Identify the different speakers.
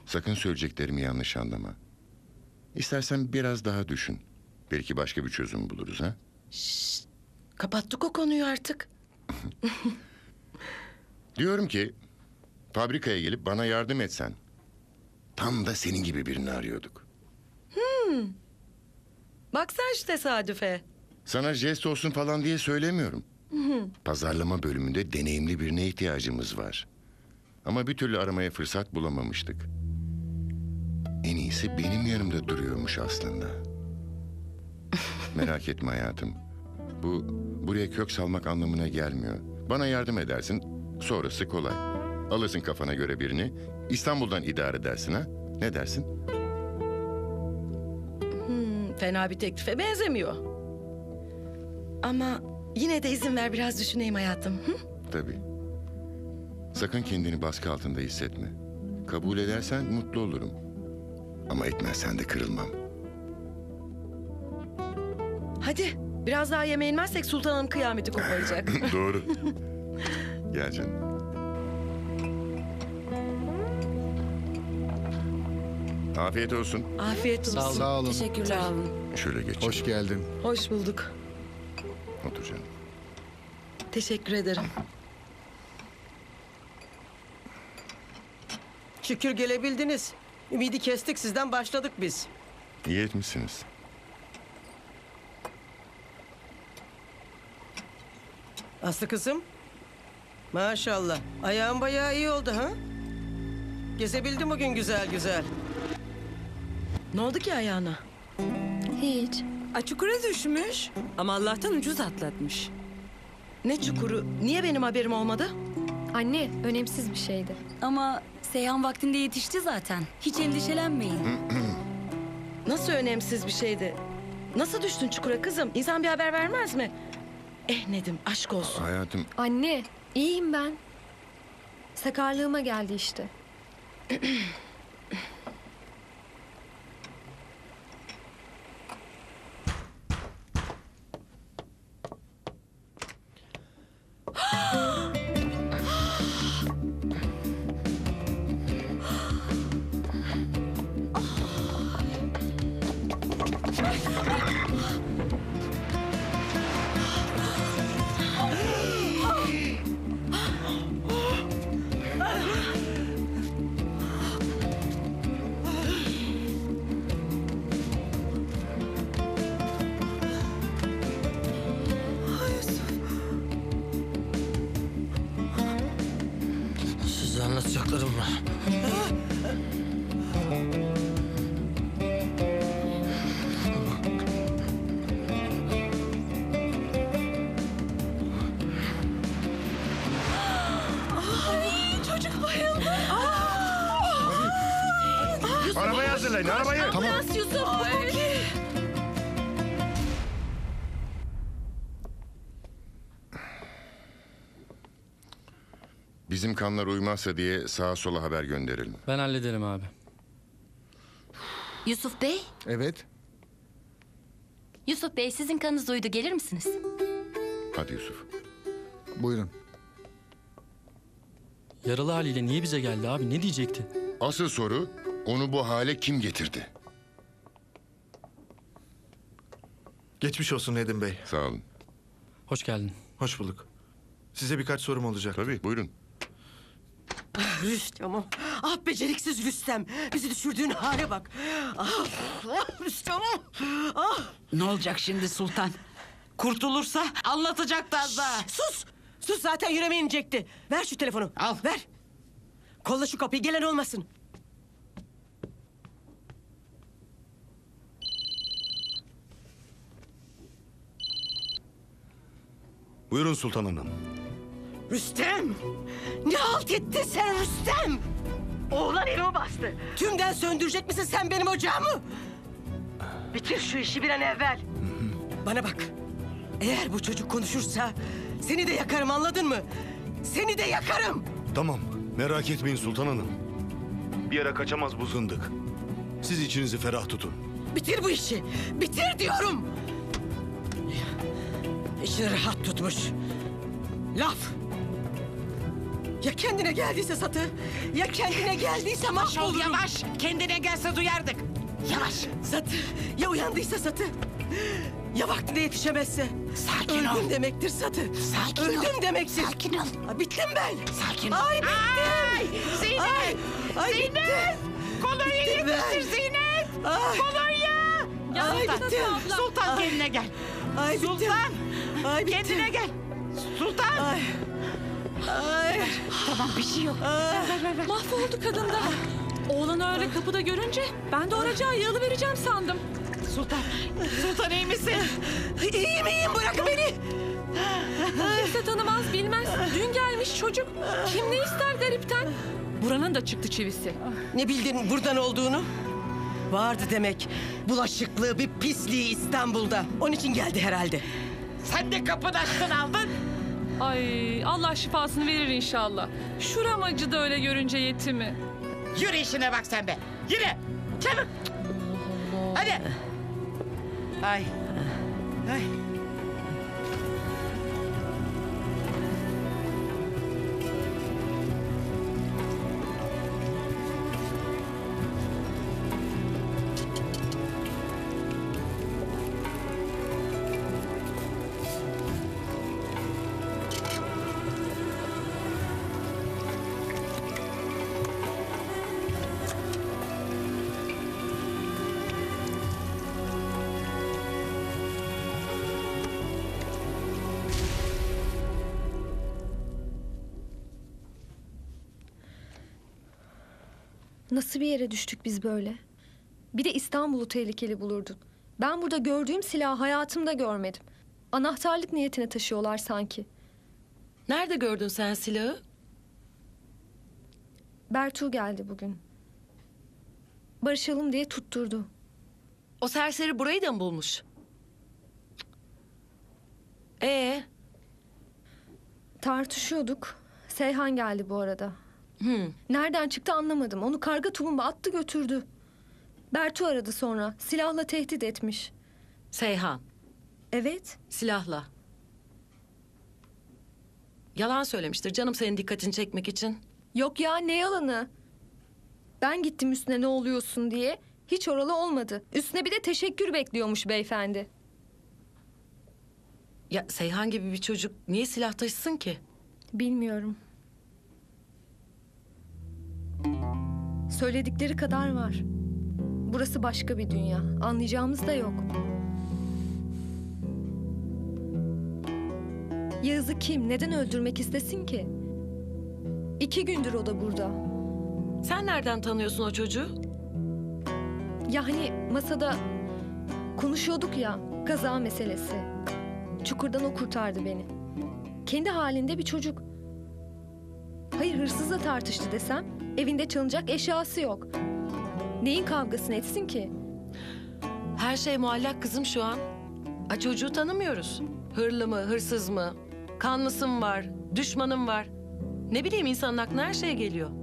Speaker 1: Sakın söyleyeceklerimi yanlış anlama. İstersen biraz daha düşün. Belki başka bir çözüm buluruz ha?
Speaker 2: Kapattık o konuyu artık.
Speaker 1: Diyorum ki fabrikaya gelip bana yardım etsen. Tam da senin gibi birini arıyorduk.
Speaker 2: Bak sen şu tesadüfe.
Speaker 1: Sana jest olsun falan diye söylemiyorum. Pazarlama bölümünde deneyimli birine ihtiyacımız var. Ama bir türlü aramaya fırsat bulamamıştık. En iyisi benim yanımda duruyormuş aslında. Merak etme hayatım. Bu buraya kök salmak anlamına gelmiyor. Bana yardım edersin, sonrası kolay. Alırsın kafana göre birini, İstanbul'dan idare edersin ha? Ne dersin?
Speaker 2: Fena bir teklife benzemiyor. Ama yine de izin ver biraz düşüneyim hayatım. Hı?
Speaker 1: Tabii. Sakın kendini baskı altında hissetme. Kabul edersen mutlu olurum. Ama etmezsen de kırılmam.
Speaker 2: Hadi biraz daha yemeğe inmezsek Sultan Hanım kıyameti koparacak.
Speaker 1: Doğru. Gel canım. Afiyet olsun.
Speaker 2: Afiyet olsun.
Speaker 3: Sağ olun.
Speaker 2: Teşekkürler. Sağ olun.
Speaker 1: Şöyle geç.
Speaker 3: Hoş geldin.
Speaker 2: Hoş bulduk.
Speaker 1: Otur canım.
Speaker 2: Teşekkür ederim.
Speaker 4: Şükür gelebildiniz. Ümidi kestik, sizden başladık biz.
Speaker 1: İyi etmişsiniz.
Speaker 4: Aslı kızım. Maşallah. Ayağın bayağı iyi oldu ha? Gezebildim bugün güzel güzel.
Speaker 2: Ne oldu ki ayağına?
Speaker 5: Hiç.
Speaker 6: Çukura düşmüş ama Allah'tan ucuz atlatmış.
Speaker 2: Ne çukuru? Niye benim haberim olmadı?
Speaker 5: Anne, önemsiz bir şeydi.
Speaker 7: Ama Seyhan vaktinde yetişti zaten. Hiç endişelenmeyin.
Speaker 2: Nasıl önemsiz bir şeydi? Nasıl düştün çukura kızım? İnsan bir haber vermez mi? Nedim aşk olsun.
Speaker 1: Hayatım,
Speaker 5: Anne, iyiyim ben. Sakarlığıma geldi işte.
Speaker 8: Size anlatacaklarım var.
Speaker 6: Çocuk bayıldı.
Speaker 1: arabayı hazırlayın, arabayı.
Speaker 3: Tamam.
Speaker 2: Yusuf.
Speaker 1: Bizim kanlar uymazsa diye sağa sola haber gönderelim.
Speaker 8: Ben hallederim abi.
Speaker 7: Yusuf Bey,
Speaker 3: Evet.
Speaker 7: Yusuf Bey sizin kanınız uydu. Gelir misiniz?
Speaker 1: Hadi Yusuf.
Speaker 3: Buyurun.
Speaker 8: Yaralı haliyle niye bize geldi abi? Ne diyecekti?
Speaker 1: Asıl soru, onu bu hale kim getirdi?
Speaker 9: Geçmiş olsun Nedim Bey.
Speaker 1: Sağ olun.
Speaker 8: Hoş geldin.
Speaker 9: Hoş bulduk. Size birkaç sorum olacak.
Speaker 1: Tabii, buyurun.
Speaker 4: Rüstem'im. Ah beceriksiz Rüstem. Bizi düşürdüğün hale bak. Rüstem'im.
Speaker 6: Ne olacak şimdi Sultan? Kurtulursa anlatacaklar da.
Speaker 4: Sus. Sus zaten yüreğime inecekti. Ver şu telefonu.
Speaker 6: Al.
Speaker 4: Ver. Kolla şu kapıyı, gelen olmasın.
Speaker 9: Buyurun Sultan Hanım.
Speaker 4: Rüstem! Ne halt ettin sen Rüstem? Oğlan evimi bastı. Tümden söndürecek misin sen benim ocağımı? Bitir şu işi bir an evvel. Bana bak. Eğer bu çocuk konuşursa seni de yakarım, anladın mı? Seni de yakarım.
Speaker 9: Tamam, merak etmeyin Sultan Hanım. Bir yere kaçamaz bu zındık. Siz içinizi ferah tutun.
Speaker 4: Bitir bu işi. Bitir diyorum. İçini rahat tutmuş. Laf. Ya kendine geldiyse Satı? Ya kendine geldiyse mahvolurum.
Speaker 3: Yavaş. Kendine gelse duyardık. Yavaş.
Speaker 4: Satı, ya uyandıysa Satı? Ya vaktinde yetişemezse?
Speaker 3: Sakin ol.
Speaker 4: Öldüm demektir Satı.
Speaker 3: Sakin ol.
Speaker 4: Öldüm demektir.
Speaker 3: Sakin ol.
Speaker 4: Ha, bittim ben.
Speaker 3: Sakin ol.
Speaker 4: Ay bittim.
Speaker 3: Ay, Zeynep.
Speaker 4: Ay,
Speaker 3: Zeynep.
Speaker 4: bittim.
Speaker 3: Kolonya
Speaker 4: Bittim ben.
Speaker 3: yetiştir Zeynep.
Speaker 4: Ay,
Speaker 3: Kolonya.
Speaker 4: ay
Speaker 3: Sultan.
Speaker 4: bittim.
Speaker 3: Sultan
Speaker 4: Ay.
Speaker 3: kendine gel.
Speaker 4: Ay bittim.
Speaker 3: Sultan.
Speaker 4: Ay bittim.
Speaker 3: Kendine gel. Sultan.
Speaker 4: Ay. Ay.
Speaker 3: Tamam bir şey yok.
Speaker 4: Ay.
Speaker 6: Mahvoldu kadın da. Oğlanı öyle kapıda görünce ben de oracağı yığılı vereceğim sandım.
Speaker 3: Sultan. Sultan iyi misin?
Speaker 4: İyiyim iyiyim, bırakın beni.
Speaker 6: Kimse tanımaz bilmez. Dün gelmiş çocuk. Kim ne ister garipten. Buranın da çıktı çivisi.
Speaker 4: Ne bildin buradan olduğunu? Vardı demek. Bulaşıklığı bir pisliği İstanbul'da. Onun için geldi herhalde.
Speaker 3: Sen de kapını açtın aldın.
Speaker 6: Ay Allah şifasını verir inşallah. Şuram acıdı öyle görünce yetimi.
Speaker 3: Yürü işine bak sen be. Yürü. Çabuk. Hadi. Ay. Ay.
Speaker 5: Nasıl bir yere düştük biz böyle? Bir de İstanbul'u tehlikeli bulurdun. Ben burada gördüğüm silahı hayatımda görmedim. Anahtarlık niyetine taşıyorlar sanki.
Speaker 2: Nerede gördün sen silahı?
Speaker 5: Bertu geldi bugün. Barışalım diye tutturdu.
Speaker 2: O serseri burayı da mı bulmuş?
Speaker 5: Tartışıyorduk. Seyhan geldi bu arada. Nereden çıktı anlamadım. Onu karga tulumba attı götürdü. Bertu aradı sonra. Silahla tehdit etmiş.
Speaker 2: Seyhan,
Speaker 5: Evet.
Speaker 2: silahla. Yalan söylemiştir canım senin dikkatini çekmek için.
Speaker 5: Yok ya, ne yalanı. Ben gittim üstüne ne oluyorsun diye. Hiç oralı olmadı. Üstüne bir de teşekkür bekliyormuş beyefendi.
Speaker 2: Ya Seyhan gibi bir çocuk niye silah taşısın ki?
Speaker 5: Bilmiyorum. Söyledikleri kadar var. Burası başka bir dünya. Anlayacağımız da yok. Yağız'ı kim, neden öldürmek istesin ki? 2 gündür o da burada.
Speaker 2: Sen nereden tanıyorsun o çocuğu?
Speaker 5: Ya hani masada konuşuyorduk ya, kaza meselesi. Çukurdan o kurtardı beni. Kendi halinde bir çocuk. Hayır, hırsızla tartıştı desem, evinde çalınacak eşyası yok. Neyin kavgasını etsin ki?
Speaker 2: Her şey muallak kızım şu an. Çocuğu tanımıyoruz. Hırlı mı, hırsız mı? Kanlısı mı var, düşmanım var? Ne bileyim insanın aklına her şey geliyor.